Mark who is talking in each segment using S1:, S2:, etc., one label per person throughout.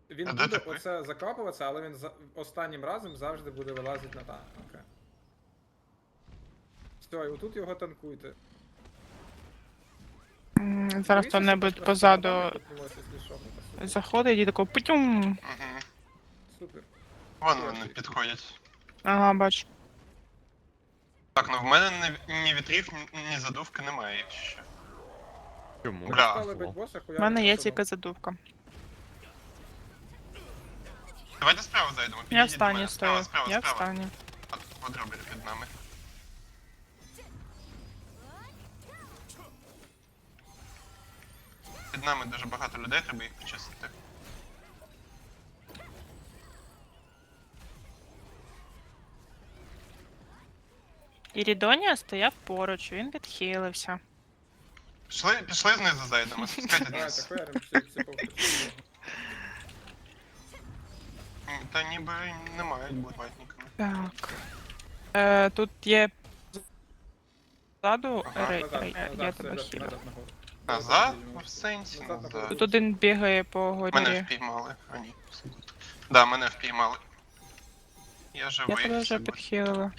S1: Він
S2: А де
S1: буде
S2: ти?
S1: оце закапуватися, але він останнім разом завжди буде вилазити на танка. Все, і отут його танкуйте.
S3: Зараз
S1: Дивіться,
S3: хто-небудь
S1: щоб
S3: позаду
S1: там піднімався, якщо що, ну, та супер.
S3: заходить і такий путюм.
S2: Угу.
S1: Супер.
S2: Вон вони підходять.
S3: Ага, бачу.
S2: Так, ну в мене ні вітрів, ні задувки немає ще.
S4: Чому?
S1: Ми
S2: Бля.
S1: стали бить боса,
S3: У
S1: хуя.
S3: мене є тільки задувка.
S2: Давайте справа зайдемо.
S3: Я в
S2: підійдіть до
S3: стані
S2: мене.
S3: стою.
S2: Справа.
S3: Я в стані.
S2: Подробір під нами. Під нами дуже багато людей, треба їх почистити.
S3: Ірідонія стояв поруч, він відхилився.
S2: Пішли знизу зайдемо, спускайте
S1: Давайте,
S2: вниз.
S1: хуярим всі повністю.
S2: Та ніби не мають бути ватниками.
S3: Так. Тут є ззаду
S2: Ага.
S3: я тебе хілю.
S1: Назад нагору.
S2: Назад? В сенсі?
S1: Назад,
S2: Назад.
S1: нагору.
S3: Тут один бігає по
S2: Мене
S3: горі.
S2: впіймали. А ні. Да, мене впіймали. Я живий.
S3: Я тебе вже
S2: все.
S3: підхилила.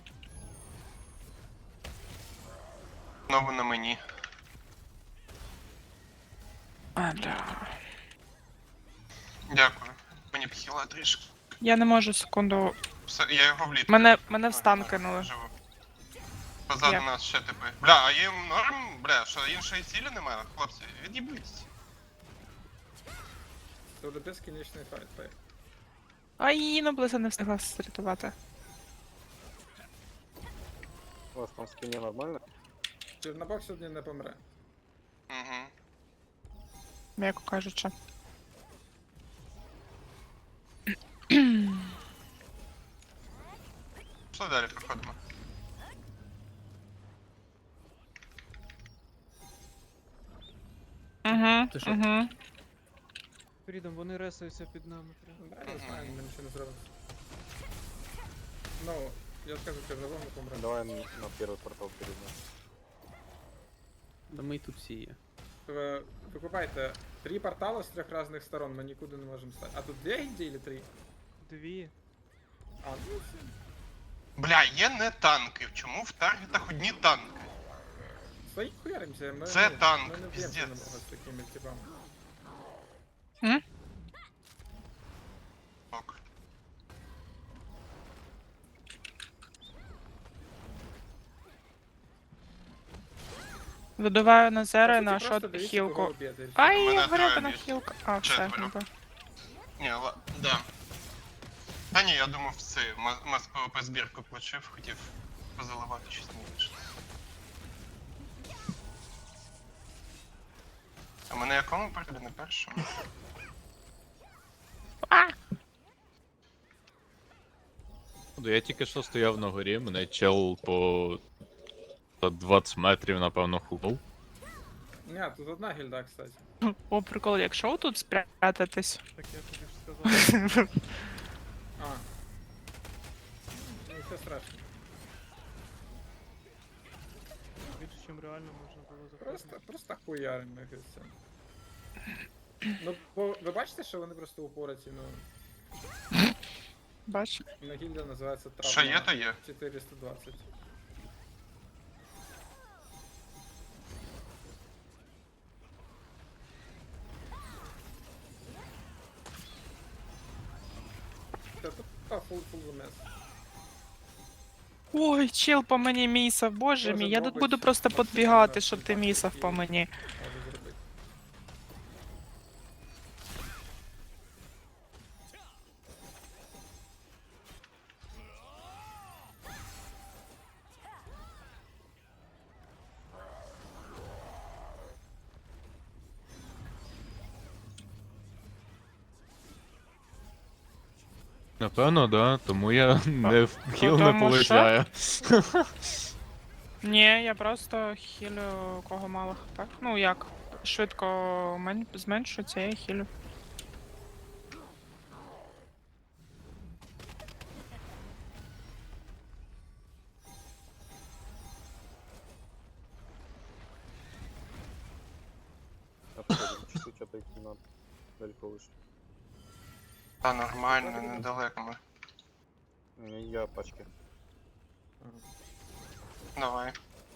S2: Знову на мені. Дякую. Мені б хіла трішки.
S3: Я не можу секунду.
S2: Все, я його вліт.
S3: Мене в стан кинули.
S2: Живу. Позаду
S3: Як?
S2: нас ще типи. Бля, а їм норм? Бля, що іншої цілі немає? Хлопці, від'їбіться.
S1: Це буде безкінечний файт.
S3: Ай, ну близько не встигла срятувати.
S5: У вас там в спине нормально?
S1: Чорнобок сьогодні не помре.
S2: Угу.
S3: М'яко кажучи.
S2: Що далі проходимо?
S6: Ти що?
S3: Угу.
S6: Фрідом, вони ресаються під нами. прям.
S1: Да, я знаю, ми нічого не зробимо. Ну, я скажу, Чорнобок не помре.
S5: Давай на первый портал перед нами.
S6: Да ми й тут всі є.
S1: Викупайте 3 портали з 3 різних сторон, ми нікуди не можемо стати. А тут 2 гільдії чи 3?
S6: Дві.
S1: А, ну все.
S2: Бля, є не танки. Чому в таргетах одні танки?
S1: Стоїть хуяримося, ми,
S2: Це
S1: ну,
S2: танк,
S1: ми не
S2: піздець.
S1: б'ємося намного з такими типами.
S2: Ок.
S3: Видуваю на зеро і
S1: По суті,
S3: на
S1: просто
S3: шот
S1: дивіться,
S3: хілку.
S1: кого б'єте, і все.
S3: Ай,
S2: Мене
S3: гребена
S2: троє
S3: хілка. А, все,
S2: Четверо.
S3: ніби.
S2: Ні, да. Та ні, я думав це, мас ПВП збірку включив, хотів позаливати щось не вийшло. А мене якому переді, не першому?
S4: Я тільки що стояв на горі, мене чел по 20 метрів, напевно, хупав.
S1: Ні, тут одна гільда, кстати.
S3: О, прикол, якщо тут спрятатись.
S6: Так я тобі ж сказав.
S1: А. Ну, все страшно.
S6: Більше, чим реально можна було заходити.
S1: Просто хуярим їх і все. Ну, бо ви бачите, що вони просто упораті, ну,
S3: Бач.
S1: на гільда називається травма.
S2: Що є, то є.
S1: 420. Це тут фул вмес.
S3: Ой, чел по мені місав, боже
S1: Може,
S3: мій, я тут
S1: мабуть,
S3: буду просто
S1: максимально
S3: підбігати, щоб ти
S1: контакт
S3: місав
S1: такий
S3: по мені.
S1: Можу зробити.
S4: Напевно, да, тому я не в хіл не
S3: Потому що?
S4: полетяю.
S3: Ні, я просто хілю кого мало хп. Ну як, швидко зменшується, я хілю.
S5: Отходим, чуть-чуть отойти надо. Далеко вышли.
S2: Та нормально, недалеко ми.
S5: Я пачки.
S2: Давай.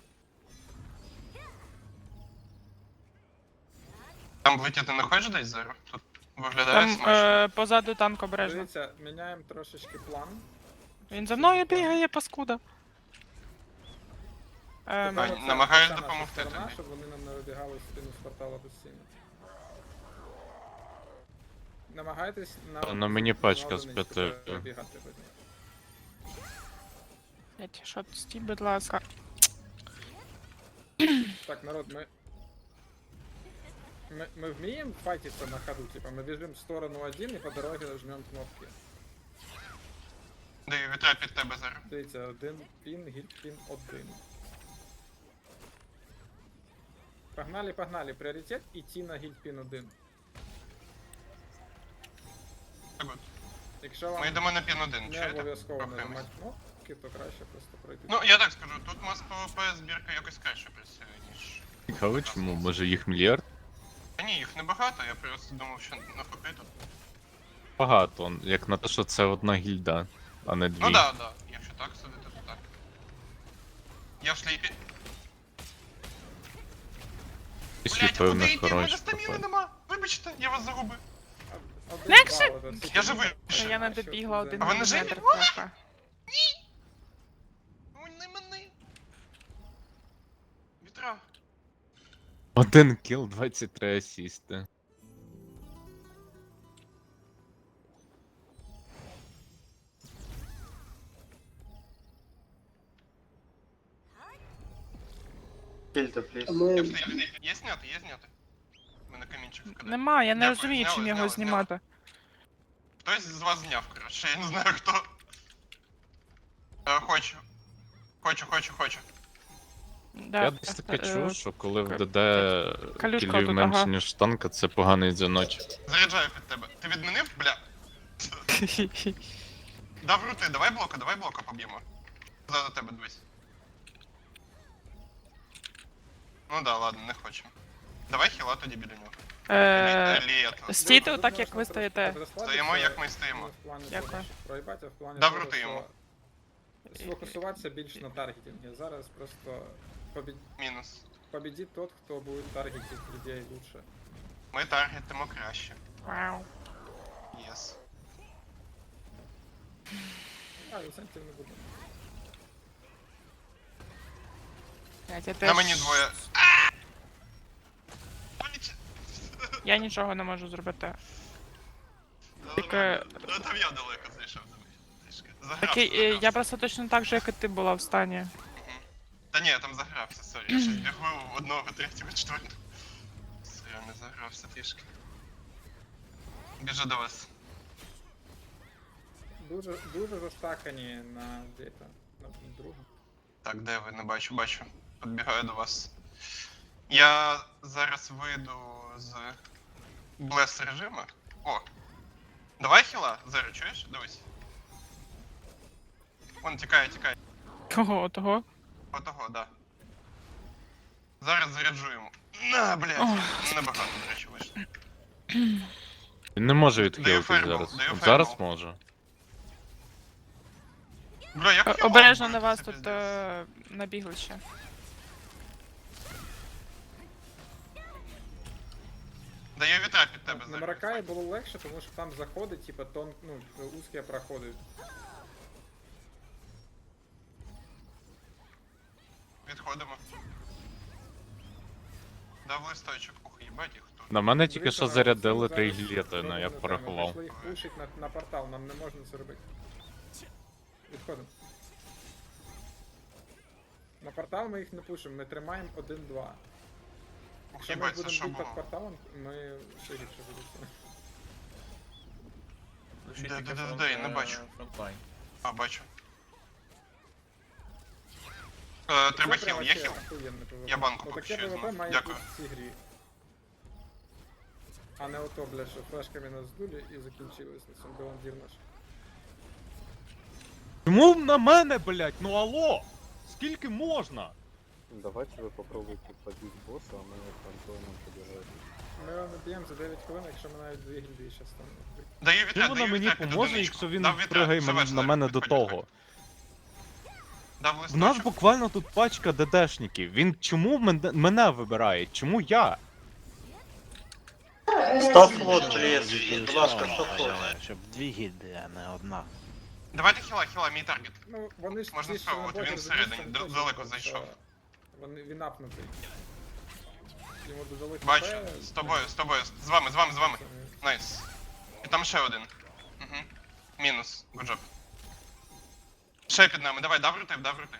S2: Там влетіти не хочеш десь зараз? Тут виглядає
S3: Там
S2: смачно.
S3: позаду танк обережно.
S1: Дивіться, міняємо трошечки план.
S3: Він за мною бігає, паскуда.
S2: Ань,
S1: Оце
S2: намагаюсь
S1: наша
S2: допомогти
S1: сторона,
S2: тобі.
S1: щоб вони нам не вибігали в спину з портала постійно. Намагайтесь
S4: На мені пачка
S1: на
S4: з
S1: одиничку
S4: п'яти.
S1: перебігати по ній.
S3: Блять, що тут стій, будь ласка.
S1: Так, народ, ми вміємо файтиться на ходу, типа ми біжимо в сторону один і по дорозі нажмемо кнопки.
S2: Даю вітра під тебе зараз.
S1: Дивіться, один пін, гіль-пін, один. Погнали, погнали. Пріоритет іти на гіль-пін один.
S2: Так от.
S1: Якщо вам
S2: Ми йдемо на пін 1,
S1: не
S2: чуєте?
S1: обов'язково
S2: Рухаємось.
S1: нажимати кнопки, то краще просто пройти.
S2: Ну, я так скажу, тут у нас PvP збірка якось краще працює, ніж.
S4: Цікаво, чому? Може їх мільярд?
S2: Та ні, їх небагато, я просто думав, що навпаки тут.
S4: Багато, як на те, що це одна гільда, а не дві.
S2: Ну да, да. Якщо так судити, то так. Я в шлейпі.
S4: Пішли,
S2: Блять, а куди
S4: певно,
S2: йти? У мене
S4: коротше.
S2: стаміни нема. Вибачте, я вас загубив.
S1: Один
S3: Легше?
S1: бал, от,
S2: Я живий.
S3: Та я не добігла один
S2: А вони живі?
S3: міліметр трохи.
S2: Ой, не мене. Вітра.
S4: Один кіл, 23 асісти.
S2: Я в шлейпі. Є зняти, є зняти. У мене камінчик вкидає.
S3: Нема, я не
S2: Дякую,
S3: розумію,
S2: зняли,
S3: чим його
S2: зняли,
S3: знімати.
S2: Хтось з вас зняв, коротше, я не знаю хто. Хочу. Хочу.
S3: Да.
S4: Я десь таке чув, що коли в ДД
S3: калюшка
S4: кілів
S3: тут,
S4: менше,
S3: ага.
S4: ніж танка, це поганий дзвіночок.
S2: Заряджаю під тебе. Ти відмінив? Бля. Дав рути, давай блока поб'ємо. За тебе дивись. Ну да, ладно, не хочемо. Давай хіла тоді біля нього. Літо.
S3: Стійте так, як ви стоїте.
S2: Стоїмо, як ми стоїмо.
S3: Дякую.
S1: Проїбати в плані
S2: Дав
S1: того,
S2: рути
S1: що
S2: йому.
S1: сфокусуватися більш на таргетинге. Зараз просто
S2: Мінус.
S1: победить тот, хто буде таргетити людей лучше.
S2: Ми таргетимо краще.
S3: Вау.
S2: Єс.
S1: А, інсентів не буде.
S3: Блядь, я
S2: На
S3: теж...
S2: мені двоє.
S3: Я нічого не можу зробити. Тільки-
S2: Там я далеко зайшов.
S3: Такий, я просто точно так же, як і ти була в стані.
S2: Та ні, я там загрався, сорі. Я щось бігу в одного, третього, четвертого. Все, я не загрався трішки. Біжу до вас.
S1: Дуже застакані на дето, на друга.
S2: Так, де ви? Не бачу, бачу. Підбігаю до вас. Я зараз вийду з блес режиму. О! Давай хіла, Зеро, чуєш? Дивись. Вон тікає.
S3: Кого того?
S2: Отого, да. Зараз заряджу йому. На, блядь! Небагато, до речі, вийшло.
S4: Він не може
S2: Даю
S4: відхилитись
S2: фаербол,
S4: зараз.
S2: даю
S4: От
S2: фаербол.
S4: зараз може.
S2: Бля, як хіла
S3: Обережно
S2: буде?
S3: на вас
S2: Це
S3: тут
S2: пиздець.
S3: набігли ще.
S2: Даю вітра під тебе,
S1: На
S2: Зеро.
S1: Маракаї було легше, тому що там заходить, типа, узкі проходи.
S2: Відходимо. Дав листочок. Ух, їбать їх тут.
S4: На мене тільки
S1: Дивіться,
S4: що
S1: народ,
S4: зарядили
S1: це
S4: 3
S1: зараз
S4: гілети, ну я
S1: робимо
S4: порахував.
S1: Ми пішли їх пушить на портал, нам не можна це робити. Відходимо. На портал ми їх не пушимо, ми тримаємо 1-2.
S2: Ух,
S1: Якщо ми
S2: їбать, це
S1: будемо
S2: що
S1: бити під
S2: було?
S1: порталом, ми ще гірше будемо.
S2: Де, я не бачу. А, бачу. Треба
S1: Це
S2: хіл,
S1: прям
S2: є
S1: вообще
S2: хіл?
S1: охуєнний PvP.
S2: Я банку
S1: Отаке
S2: поки що
S1: PvP
S2: знав.
S1: має
S2: Дякую.
S1: бути в цій грі. А не ото, бля, що флешками нас здули і закінчилось на цьому баландір наш.
S4: Чому на мене, блять? Ну алло! Скільки можна?
S5: Давайте вы попробуйте побить босса, а мы с Антоном побежать.
S1: Ми його наб'ємо за 9 хвилин, якщо ми навіть 2 гільдії ще станемо.
S2: Даю
S4: Чим
S2: вітра,
S4: вона
S2: даю
S4: мені
S2: вітра під
S4: поможе,
S2: одиничку.
S4: якщо він
S2: Дав вітра,
S4: пригає
S2: живеш,
S4: на
S2: Заря,
S4: мене до
S2: підходь,
S4: того?
S2: Дав
S4: В нас
S2: листочок.
S4: буквально тут пачка ДДшників. Він чому мене вибирає? Чому я?
S5: Став флот, пліс. Будь ласка, став флот.
S7: Щоб дві гільди, а не одна.
S2: Давайте хіла, мій таргет.
S1: Ну, вони ж
S2: Можна
S1: ті, що
S2: спробувати,
S1: на боті
S2: він
S1: розуміють,
S2: всередині,
S1: що не точно
S2: далеко
S1: буде,
S2: зайшов.
S1: що Він апнутий. Йому додали ХП,
S2: Бачу, з тобою, з вами.
S1: це не-
S2: Найс. І там ще один. Угу. Мінус, гуджоп. Ще під нами, давай, даврити.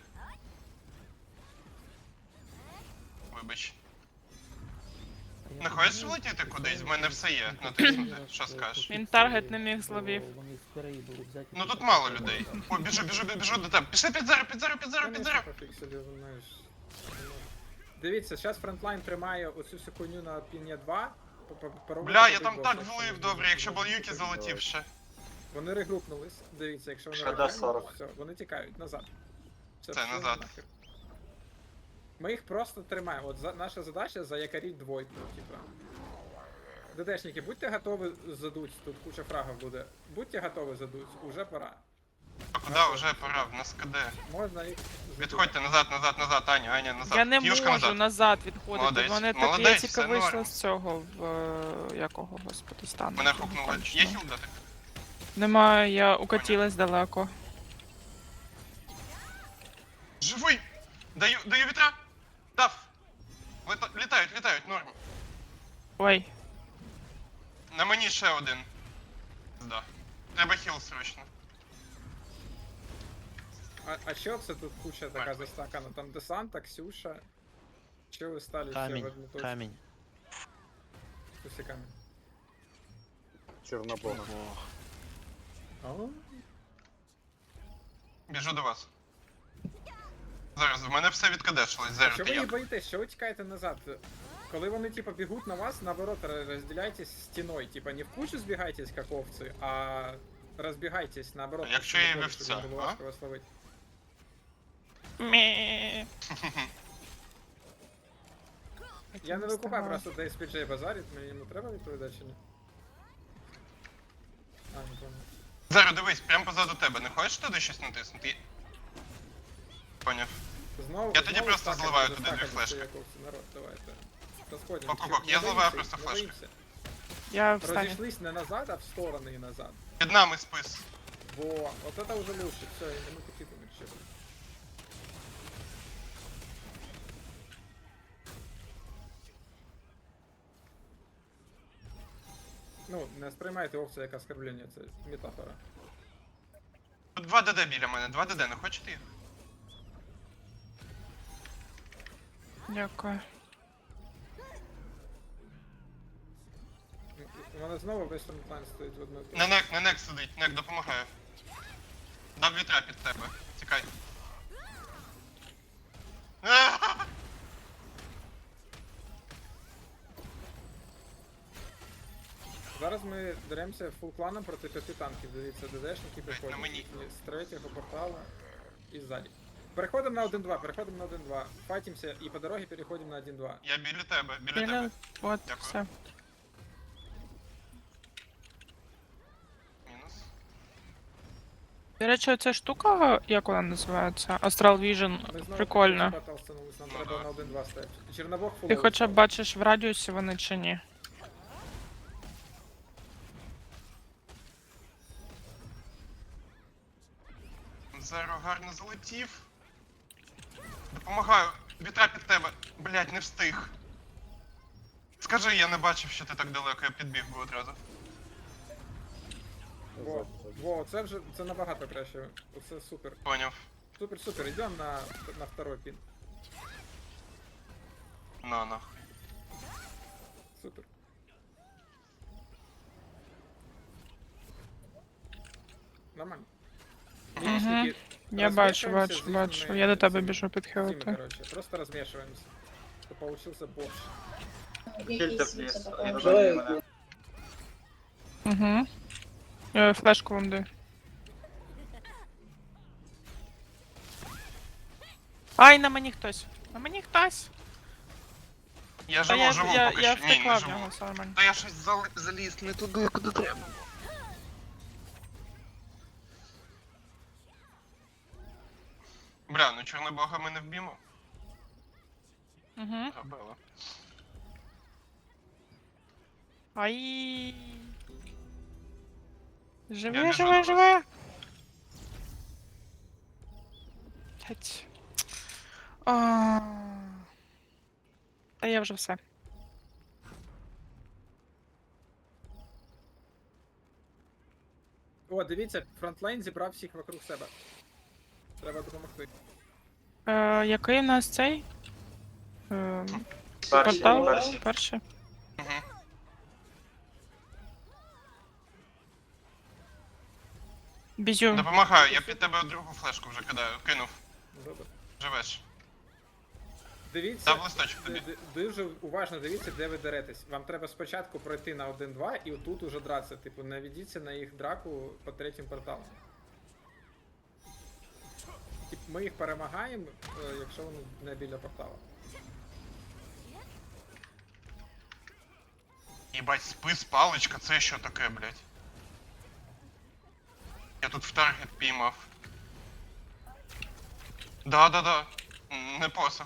S2: Вибач. Не хочеш влетіти кудись? В мене все є. Натиснути. Що скажеш?
S3: Він таргет не міг зловив.
S2: Ну тут мало людей. О, біжу до тебе. Пішли під зеро.
S1: Конечно, пофіксили, знаєш. Дивіться, зараз фронтлайн тримає оцю всю хуйню на піні 2.
S2: Бля, я там так влив добре, якщо б Юкі залетів ще.
S1: Вони регрупнулись. Дивіться, якщо вони
S5: Ще до
S1: регрупнулись,
S5: 40.
S1: все, вони тікають назад.
S2: Це
S1: все
S2: назад.
S1: нахер. Ми їх просто тримаємо. От наша задача заякоріть двойку, типа. ДДшники, будьте готові задуть, тут куча фрагів буде. Будьте готові задуть, уже пора.
S2: А куди вже пора? В нас КД.
S1: Можна їх задуть.
S2: Відходьте назад, Аня, назад.
S3: Я не
S2: Кіюшка
S3: можу назад відходити.
S2: Молодець,
S3: Вони так
S2: молодець,
S3: я тільки
S2: все
S3: вийшла
S2: норм.
S3: з цього якого, господи, стану.
S2: Мене хукнули. Є хіл дати?
S3: Немає, я укатилась далеко.
S2: Живий! Даю вітра! Дав! Літають, норм.
S3: Ой,
S2: На мені ще один. Да. Треба хіл срочно.
S1: А що це тут куча така застакана? Там Десанта, Ксюша. Що ви стали всі в
S7: Камінь,
S1: одну точку?
S7: камінь.
S1: Усі камінь.
S5: Чорнобог.
S7: Ого.
S2: Біжу до вас. Зараз, в мене все відкадешилось,
S1: А
S2: зараз
S1: що
S2: ти
S1: ви
S2: я.
S1: їх боїтесь? Що ви тікаєте назад? Коли вони типа бігуть на вас, наоборот, розділяйтесь стіною. Типа не в кучу збігайтесь, як овці, а розбігайтесь, наоборот.
S2: Якщо
S1: щоб
S2: я
S1: було,
S2: вівця,
S1: щоб було
S2: а?
S1: важко вас ловити.
S3: мі.
S1: Я не викупаю просто де SPJ базарить, мені йому треба відповідати чи ні? А, не пам'ятаю.
S2: Зараз дивись, прямо позаду тебе. Не хочеш туди щось натиснути? Поняв.
S1: Знову,
S2: Я тоді
S1: знову
S2: просто
S1: стакати,
S2: зливаю туди
S1: застакати
S2: дві флешки.
S1: всі як овці. Народ, давайте. Розходимо.
S2: Ок,
S1: Не
S2: я зливаю
S1: боїмося,
S2: просто
S1: не
S2: флешки.
S1: боїмося.
S3: Я встану.
S1: Розійшлись не назад, а в сторони і назад.
S2: Під нами спис.
S1: Во, вот это уже лучше, все, и мы какие-то вообще. Ну, не сприймайте овцю як оскорблення, це метафора.
S2: Тут 2 ДД біля мене, 2 ДД, не хочете їх?
S3: Дякую.
S1: У мене знову весь фронтлайн стоїть в одному.
S2: Не нек сидить, нек допомагає. Дав вітра під тебе. Тікай.
S1: Зараз ми деремося фул кланом проти 5 танків. Дивіться, ДДшники
S2: на
S1: приходять
S2: мені.
S1: їхні з третього портала і ззаді. Переходимо на 1-2, файтимся і по дорогі переходимо на 1-2.
S2: Я біля тебе, біля
S3: Біля,
S2: тебе.
S3: от,
S2: Дякую.
S3: все.
S2: Мінус.
S3: До речі, оця штука, як вона називається? Astral Vision,
S1: Ми знову
S3: прикольно.
S1: портал становились, нам
S2: Ну
S1: треба
S2: да.
S1: на 1-2 стати. Чорнобог
S3: Ти
S1: фуловий
S3: хоча б
S1: став.
S3: бачиш в радіусі вони чи ні?
S2: Зеро гарно залетів. Допомагаю. Вітра під тебе. Блять, не встиг. Скажи, я не бачив, що ти так далеко, я підбіг би одразу.
S1: Во, це вже це набагато краще. Оце супер.
S2: Поняв.
S1: Супер. Йдемо на второй пін.
S2: На.
S1: Супер. Нормально.
S3: Мгм.
S1: Мінішники,
S3: Я бачу.
S1: розмішуємося з
S3: Я
S1: їхніми
S3: до тебе
S1: цими-
S3: біжу
S1: цими,
S3: підхилити.
S1: короче. Просто розмішуємося. Щоб получился борщ.
S5: Фільтр пліс.
S3: Угу. Флешку вам даю. Ай, на мені хтось. На мені хтось.
S2: Я
S3: Та
S2: живу,
S3: я
S2: поки що. Ні,
S3: втекла
S2: не
S3: в
S2: живу.
S3: нього, все нормально.
S2: Та я щось заліз не туди, куди треба. Бля, ну Чорнобога ми не вб'ємо.
S3: Угу.
S2: Габела.
S3: Ай.
S2: Я
S3: Живе,
S2: біжу до
S3: живе,
S2: вас.
S3: живе. Блять. Та я вже все.
S1: О, дивіться, фронтлайн зібрав всіх вокруг себе. Треба допомогти.
S3: Який у нас цей?
S5: Перший,
S3: Портал?
S5: перший.
S3: Перший.
S2: Угу.
S3: Бізю.
S2: Допомагаю, я під тебе другу флешку вже кидаю. Кинув.
S1: Добре.
S2: Живеш.
S1: Дивіться,
S2: Дав листочок тобі.
S1: дуже уважно дивіться, де ви деретесь. Вам треба спочатку пройти на 1-2 і отут уже дратися. Типу, не ведіться на їх драку по третім порталам. Типу, ми їх перемагаємо, якщо вони не біля портала.
S2: Єбать, спис, паличка, це що таке, блядь? Я тут в таргет піймав. Да. Не посох.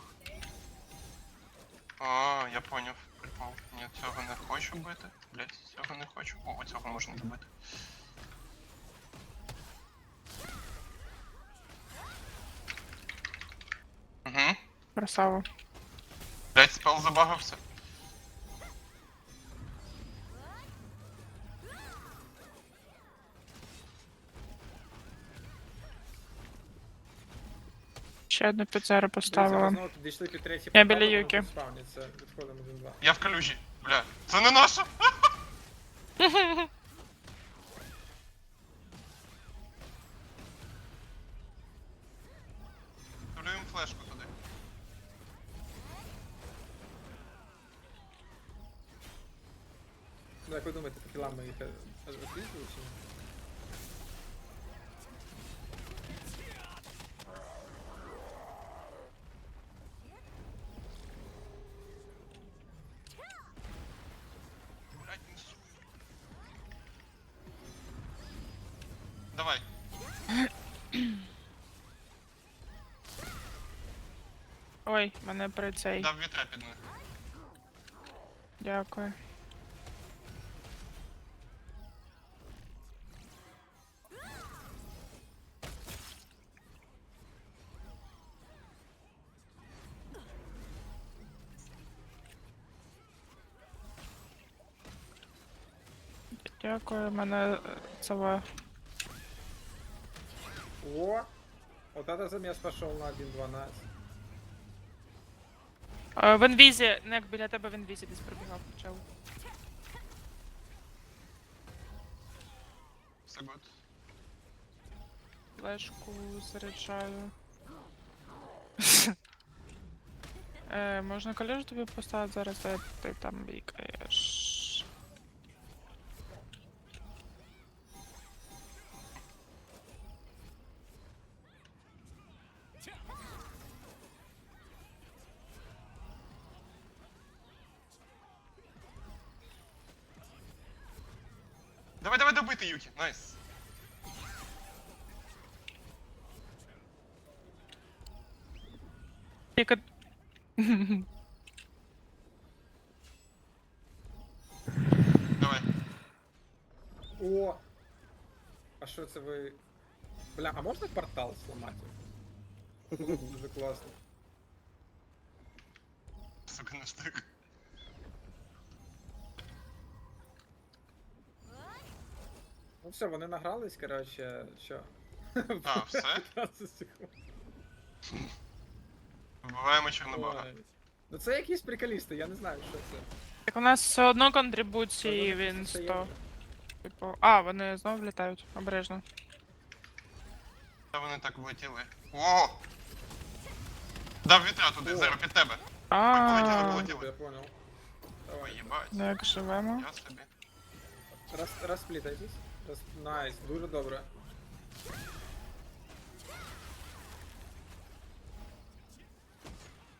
S2: А, я поняв. Прикол. Ні, цього не хочу бити. Блядь, цього не хочу. О, цього можна добити. Угу.
S3: Красава.
S2: Блядь, спел забагався.
S3: Ще одну піцеру
S1: Дивіться,
S3: поставила.
S1: ви знову підійшли під третій
S3: Я
S1: портал,
S3: біля
S1: воно
S3: Юки.
S1: тут спавниться. Відходимо 1-2.
S2: Я в калюжі. Бля, це не наша! Ставлю їм флешку туди.
S1: Ну, як ви думаєте, по кілам ми їх розпіздили чи ні?
S2: Блядь, несу. Давай.
S3: Ой, мене при цей.
S2: Дав вітра під них.
S3: Дякую. Дякую, мене це.
S1: О! Вот это замес пошел на 1-12.
S3: В інвізі, не як біля тебе в інвізі десь пробігав чел.
S2: Все гуд.
S3: Флешку заряджаю. Можна колежу тобі поставити зараз, де ти там бікаєш.
S2: Давай добити, Юкі. Найс.
S3: Тільки...
S2: Давай.
S1: О! А що це ви... Бля, а можна портал зламати? Дуже класно.
S2: Сука, не встиг.
S1: Ну все, вони награлись, коротше, що?
S2: А, все?
S1: 15 секунд.
S2: Вбиваємо Чорнобога.
S1: Ой. Ну це якісь приколісти, я не знаю, що це.
S3: Так у нас все одно контрибуції,
S1: Вони
S3: він
S1: це
S3: 100.
S1: є.
S3: Типу... А, вони знову літають, обережно.
S2: Та вони так влетіли. О! Дав вітра туди,
S1: О.
S2: Зеро, під тебе.
S3: А,
S2: Полетіли.
S1: Я понял.
S2: Ой,
S1: Давай.
S2: їбать.
S3: ну як живемо.
S2: Я собі.
S1: Розплітайтесь. Найс, дуже добре.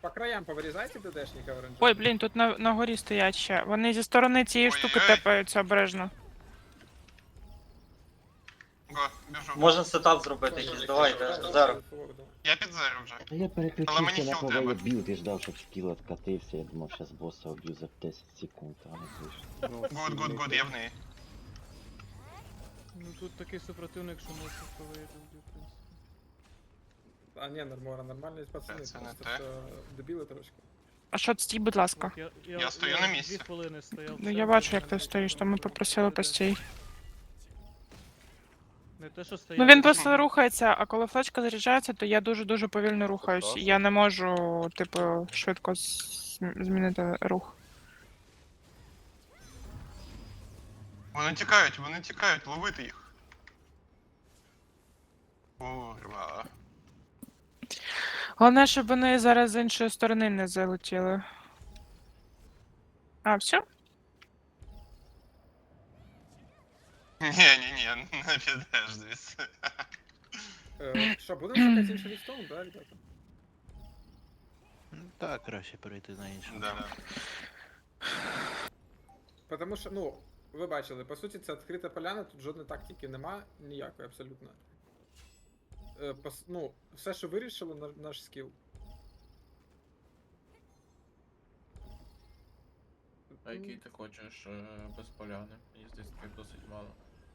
S1: по краям повирізайте ДДшника оранжевого.
S3: Ой, блін, тут на горі стоять ще. Вони зі сторони цієї штуки
S2: Ой-ой-ой.
S3: тепаються обережно.
S2: Го, біжу.
S5: Можна сетап зробити якийсь, давайте, зараз.
S2: Я під зеро вже.
S8: Та я
S2: Але
S8: переключився
S2: мені
S8: на
S2: хіл треба.
S8: повелі білд і ждав, щоб скіл откатився. Я думав, зараз боса уб'ю за 10 секунд, а не вийшло.
S2: Гуд, я в неї.
S6: Ну тут такий супротивник, що може поведе, в принципі.
S1: А ні, нормальні пацани,
S2: Це не
S1: просто
S2: те.
S1: що дебіли трошки.
S3: А що, стій, будь ласка.
S6: От
S2: Я стою на місці.
S6: 2 хвилини стояв.
S3: Ну я бачу, як ти стоїш, то ми попросили постій.
S6: Не те, що стояв.
S3: Ну він просто рухається, а коли флешка заряджається, то я дуже-дуже повільно рухаюсь. Я не можу, типу, швидко змінити рух.
S2: Вони тікають, ловити їх. Курва.
S3: Головне, щоб вони зараз з іншої сторони не залетіли. А, все?
S2: Ні, не підеш звідси.
S1: Що, будемо шукати інший ліфтон, да, ребята?
S7: Ну так, краще перейти на іншу.
S2: Да.
S1: Потому що, ну, ви бачили, по суті, це відкрита поляна, тут жодної тактики нема, ніякої абсолютно. Ну, все, що вирішили, наш скіл.
S9: А який ти хочеш без поляни? Мені здається, таке досить мало.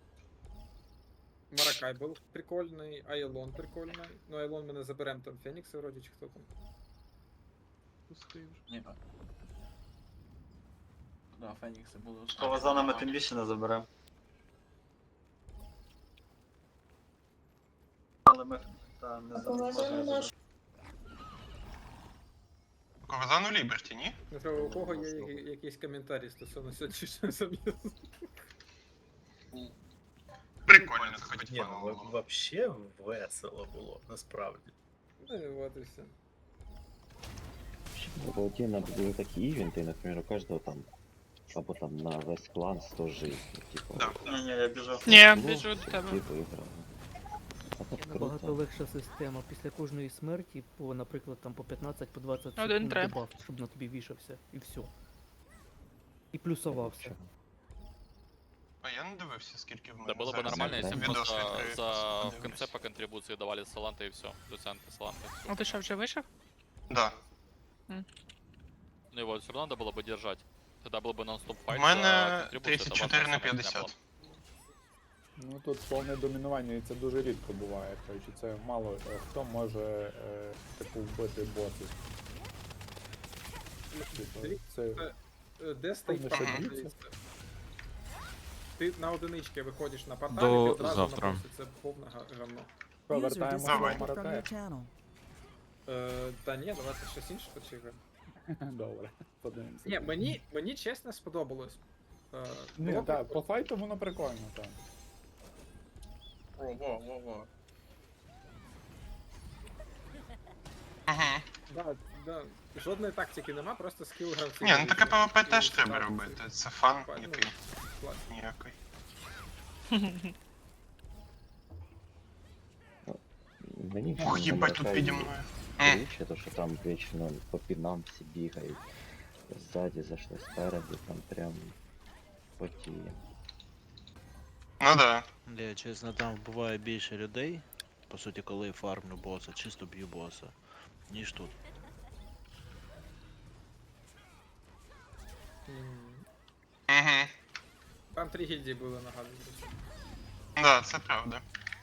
S1: Маракай був прикольний, Айлон прикольний. Ну, Айлон ми не заберемо, там Фенікси вроді, чи хто там.
S6: Пустий вже.
S9: Ні. Да, Фенікси були у
S5: Що за нами тим більше не заберемо. Але ми там не заберемо.
S2: Ковазану Ліберті, ні?
S1: Ну, що, у кого є якісь коментарі стосовно сьогоднішнього зам'язу?
S2: Прикольно, це хоч
S10: Ні, ну
S2: фаново.
S10: вообще весело було, насправді.
S1: Ну, і от і все.
S8: В отдельно были такие ивенты, например, у каждого там, або там на весь клан 100 жизней, типа.
S2: Да.
S5: Ні, я біжу.
S3: Ні,
S8: було,
S3: біжу до тебе.
S8: типу, іграли. А так
S6: Набагато
S8: круто.
S6: легша система. Після кожної смерті, по, наприклад, там по 15, по 20
S3: Один
S6: секунд
S3: треба.
S6: дебаф, щоб на тобі вішався, і все. І плюсувався.
S2: А я не дивився, скільки в мене.
S4: Да было бы
S2: зараз.
S4: нормально, если бы
S2: Відос
S4: просто
S2: відкрию,
S4: в
S2: подивлюсь.
S4: конце по контрибуции давали саланты и все. Люцианты, саланты.
S3: А ти що, вже вийшов?
S2: Да.
S4: Ну его все равно надо было бы держать. Тогда был бы нон-стоп
S2: У
S4: файт.
S2: мене
S4: за контрибуцию, это
S2: 34 на
S4: важная самая меня была.
S2: 50.
S11: Ну тут повне домінування, і це дуже рідко буває. Коротше, це мало хто може типу вбити босів. Типу, це
S1: Де стоїть
S11: Повне
S1: пан?
S11: шибіться.
S1: Ти на одинички виходиш на порталі,
S4: До
S1: і одразу
S4: завтра.
S1: на босі, це повне говно.
S11: повертаємося
S2: Давай.
S11: до Маракая.
S1: Та ні, давайте щось інше почекаємо.
S11: Добре, подивимося.
S1: Ні, мені чесно сподобалось.
S11: Ні,
S1: Було
S11: так,
S1: прикольно.
S11: по файту воно прикольно, так.
S9: Во.
S2: Угу.
S1: Да. Жодної тактики нема, просто скіл гравців.
S2: Ні, ну таке
S1: вирішує.
S2: ПВП теж
S1: І
S2: треба
S1: так,
S2: робити. Це фан
S1: Ну,
S2: який
S1: клас.
S2: ніякий.
S8: Мені
S2: Ух,
S8: на
S2: їбать тут
S8: Маракаї
S2: піді мною.
S8: Більше, то що там вічно по пінам всі бігають. Ззаді зайшли спереду, там прям потіє.
S2: Ну да.
S7: Я чесно, там буває більше людей, по суті, коли фармлю боса, чисто б'ю боса, ніж тут.
S2: Угу.
S1: Там 3 гільдії були, нагадую.
S2: Да, це правда.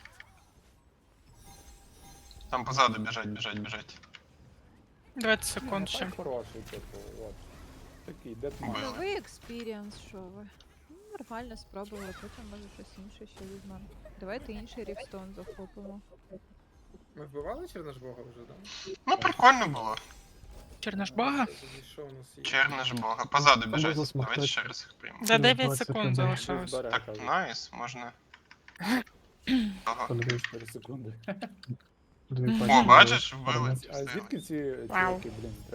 S2: Там позаду біжать.
S3: 20 секунд ще.
S11: Так хороший, типу, от. Такий дедман.
S2: Били.
S12: Новий експірієнс, що ви? Ну, нормально спробували, потім може щось інше ще візьмемо. Давайте інший рівстон захопимо.
S1: Ми вбивали Черножбога вже, да?
S2: Ну прикольно було.
S3: Черножбага?
S1: Що у нас є?
S2: Черна ж бога. Позаду біжать. Давайте ще раз їх приймемо.
S3: За 9 секунд залишилось.
S2: Так, найс, можна. Ага.
S11: 4 секунди.
S2: О, бачиш, вбили.
S11: А звідки ці
S3: Вау.
S11: чуваки, блін,